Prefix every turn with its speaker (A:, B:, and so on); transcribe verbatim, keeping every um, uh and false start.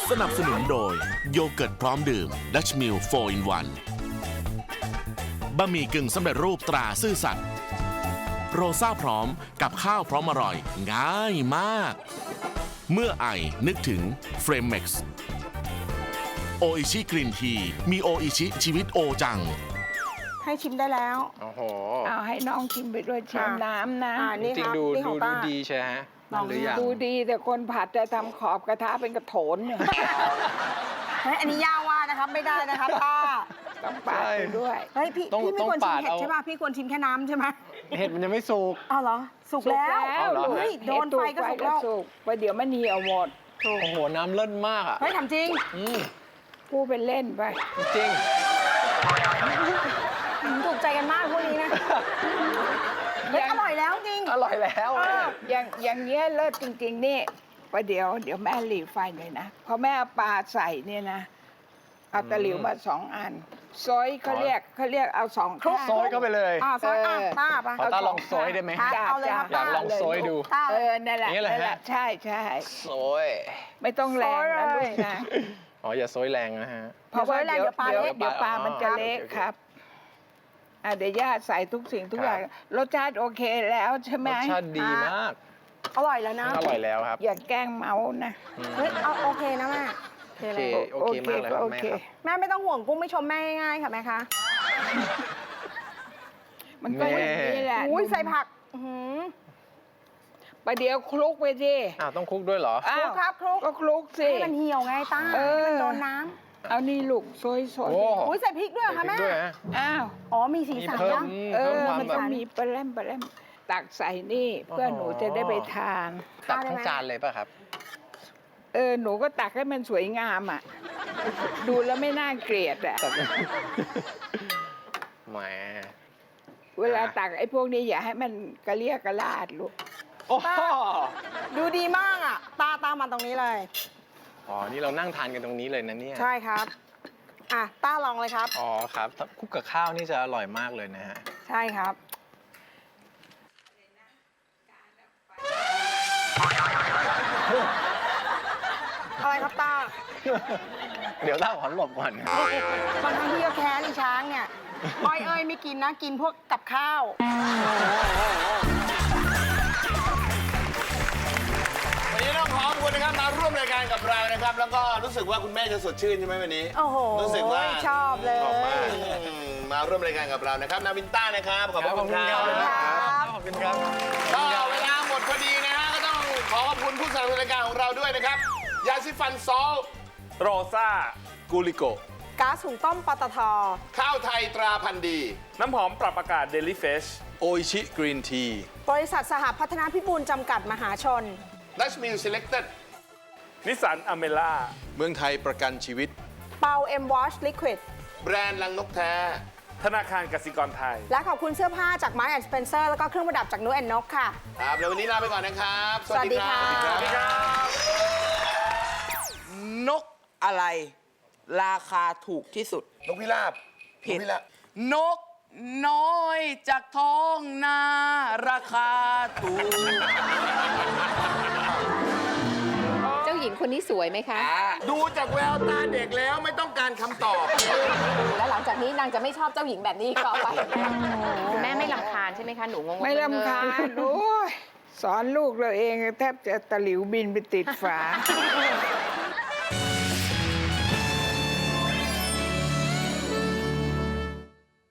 A: สนับสนุนโดยโยเกิร์ตพร้อมดื่มดัชมิลโฟร์ อิน วันบะหมี่กึ่งสำเร็จรูปตราซื่อสัตย์โรซ่าพร้อมกับข้าวพร้อมอร่อยง่ายมากเมื่อไอนึกถึงเฟรมเม็กซ์โออิชิกรีนทีมีโออิชิชีวิตโอจัง
B: ให้ชิมได้แล้ว
C: โอ้โห
D: เอาให้น้องชิมไปด้วยชิมน้ำนะ
B: อ่านี่
C: จริ
B: ค
C: ง
B: รับ
C: ๆดู
B: นี่ข
C: ดู
B: อง
C: ดู
B: ป้า
C: ดีใช่ฮะนั่นหรือยัง
D: ดูดีแต่คนผัดจะทำขอบกระทะเป็นกระโถนเนี่ย
B: เฮ้ยอันนี้ย่าว่านะครับไม่ได้นะครับป้า
D: ต้องปาดไปด้วย
B: เฮ้ยพี่
C: ต้อง
B: พี่ไม่ควร
C: ต้อง
B: ชิม
C: ปาด
B: เห็ด
C: เอา
B: ใช่ป่ะพี่ควรชิมแค่น้ำใช่ไหม
C: เห็ดมันยังไม่สุก
B: อ้าวเหรอสุกแล้ว
C: เอาเหรอ
B: เฮ้ยโดนไฟก็สุกแล้ว
D: สุกไปเดี๋ยวมันเหี่ยวหมด
C: โอ้โห น้ำเลิศมากอ่ะ
B: เฮ้ยทำจริง
C: อืม
D: พูดเป็นเล่นไป
C: จริง
B: ถูกใจกันมากพวกนี้นะเฮ้ยอร่อยแล้วจริง
C: อร่อยแล้ว
B: เออ
D: อย่างอย่างเงี้ยเลิศจริงๆนี่ประเดี๋ยวเดี๋ยวแม่หลีไฟหน่อยนะพอแม่เอาปลาใส่เนี่ยนะเอาตะหลิวมาสองอันซอยเขาเรียกเขาเรียกเอาสองข้าง
C: ซอยเข้าไปเลย
B: อ่าซอยอ่ะ
D: เออ
B: ป้าป่ะ
C: ขอตาลองซอยได้ไหม
B: ครับเอาเลยครับ
C: อยากลองซอยดู
B: ป้า
D: เออนั่นแหละ
C: อย่างเงี้ยเหรอฮะ
D: นั่นแหละใช่ใช่
C: ซอย
D: ไม่ต้องแรงนะ
B: ซอย
D: ลู
B: เลย
D: กนะ
C: อ๋อ อย่าซอยแรงนะฮะ
D: เพราะว่า
B: เดี๋
D: เดี๋
B: ย
D: ยว ว
B: ปลา
D: เดี๋ยว
B: เละ
D: เดี๋ยวปลามันจะเละ
C: โอเค
D: ครับอ่ะเดี๋ยวย่าใส่ทุกสิ่งทุก
C: ครับ
D: อย่างรสชาติโอเคแล้วใช่ไหม
C: รสชาติดีมาก
B: อร่อยแล้วนะ
C: อร่อยแล้วครับ
D: อย่าแกล้งเมานะ
B: เฮ้ยเอาโอเคนะแม่โอเค
C: โอ
B: เลย
C: เค โอเคมากเลยครับ
D: โอ
C: แม่
D: เค
C: ครับ
B: แม่ไม่ต้องห่วงกุ้งไม่ชมแม่ง่ายๆค่ะแม่คะ
D: มันก็อย่างนี้แหละ
B: อุ้ยใส่ผักอื้อหือ
D: ประเดี๋ยวคลุกไปสิ
C: อ้าวต้องคลุกด้วยเหรอ
D: อ้า
B: คลุ
D: ว
B: กครับคลุก
D: ก็คลุกสิ
B: ให้มันเหี่ยวไงต้า
D: เออ
B: ให้มันโดนน้
D: เอานี่ลูกซอยสด
C: โอ้
B: ำอุ้ยใส่พริกด้วยเหรอ
C: ใส่
B: ค่ะ
C: พริก
B: แม่
C: ด้วยฮะ
D: อ้าว
B: อ๋อมีสี
C: มี
B: สัน
C: เพิ่ม
B: นะ
C: อืม
D: เอ
C: เพิ่
D: อ
C: มความ
D: มัน
C: แบ
D: ต้อบ งมีปลาแรมปลาแรมตักใส่นี่เพื่อหนูจะได้ไปทาน
C: ตักทั้งจานเลยป่ะครับ
D: เออหนูก็ตักให้มันสวยงามอ่ะ ดูแล้วไม่น่าเกลียดอ่ะ
C: ตัก แหม
D: เวลาตักไอ้พวกนี้อย่าให้มันกระเลียกกระลาดลูก
C: โอ้โห
B: ดูดีมากอ่ะ ตาตามมาตรงนี้เลย
C: อ๋อ นี่เรานั่งทานกันตรงนี้เลยนะเนี่ย
B: ใช่ครับ อ่ะต้าลองเลยครับ
C: อ๋อครับถ้าคลุกกับข้าวนี่จะอร่อยมากเลยนะฮะ
B: ใช่ครับ อะไรครับต้า
C: เดี๋ยวเล่าขอหลบก่อน
B: บางครั้งที่ก็แค้นอีช้างเนี่ยอ้อยเอ้ยไม่กินนะ กินพวกกับข้าว
E: วันนี้ต้องขอบคุณนะครับมาร่วมรายการกับเรานะครับ แล้วก็รู้สึกว่าคุณแม่จะสดชื่นใช่ไหมวันนี้
B: โอ้โห
E: รู้สึกว่า
B: ชอบเลย
E: ออกมาอืมมาร่วมรายการกับเรานะครับนาวินต้านะครับขอบพระคุณครับ
C: ขอบคุณครับ
E: ก็เวลาหมดพอดีนะฮะก็ต้องขอขอบคุณผู้สนับสนุนรายการของเราด้วยนะครับยาสีฟันซอล
F: โรซ่ากูลิโก
B: ก๊าซหุงต้มปตท
E: ข้าวไทยตราพันธุ์ดี
F: น้ำหอมปรับอากาศเดลิเฟช
E: โออิชิกรีนที
B: บริษัทสหพัฒนาพิบูลจำกัดมหาชน
E: ดัชมิลเซเล็กเต็ด
F: นิสสันอเมล่า
E: เมืองไทยประกันชีวิต
B: เปาเอ็มวอชลิควิด
E: แบรนด์ลังนกแท้
F: ธนาคารกสิกรไทย
B: และขอบคุณเสื้อผ้าจากไม้แอนด์สเปนเซอร์แล้วก็เครื่องประดับจากนูแอนนกค่ะ
E: ครับแล้ววันนี้ลาไปก่อนนะครับ
B: สวัสดีค่ะ
E: สวัสดีครับ
G: นกอะไร ราคาถูกที่สุด
E: นกพิราบ
G: ผิด
E: นกพิราบ
G: นกน้อยจากท้องนาราคาถูก
H: เจ้าหญิงคนนี้สวยไหมคะ
E: ดูจากแววตาเด็กแล้วไม่ต้องการคำตอบ
H: แล้วหลังจากนี้นางจะไม่ชอบเจ้าหญิงแบบนี้ก็ไปแม่ไม่ลำคาญใช่ไหมคะ หนูงงๆ
D: ไม่ลำคาญโอ้ยสอนลูกเราเองแทบจะตะหลิวบินไปติดฝา